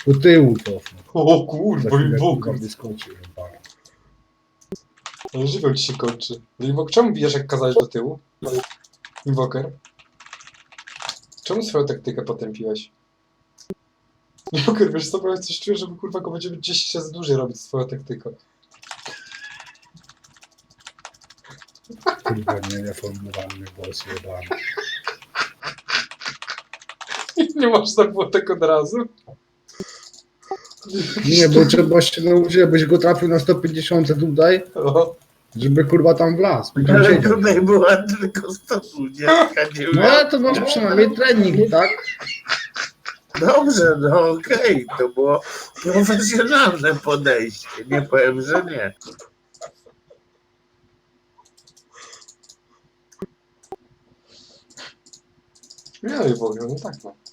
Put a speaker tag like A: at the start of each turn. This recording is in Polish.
A: Do tyłu cofnę.
B: O kurwa,
A: Za chwilę,
B: Invok.
A: kurwa, wyskoczy. chyba.
B: Ale żywioł ci się kończy. Invok, czemu bijesz jak kazałeś do tyłu? Invoker. Czemu swoją taktykę potępiłeś? Invoker, wiesz co, bo coś czuję, żeby kurwa go będziemy 10 razy dłużej robić swoją taktyką.
A: Kurwa, niereformowany głos jebany.
B: Nie można było tak od razu?
A: Nie, bo trzeba się nauczyć, żebyś go trafił na 150 tutaj,
B: O,
A: żeby kurwa tam wlazł. Tam
C: Ale
A: siedział.
C: tutaj była tylko 120, nie
A: No ale to masz przynajmniej trening, tak?
C: Dobrze, no okej, to było profesjonalne podejście, nie powiem, że nie.
B: nie, Invok, no tak no.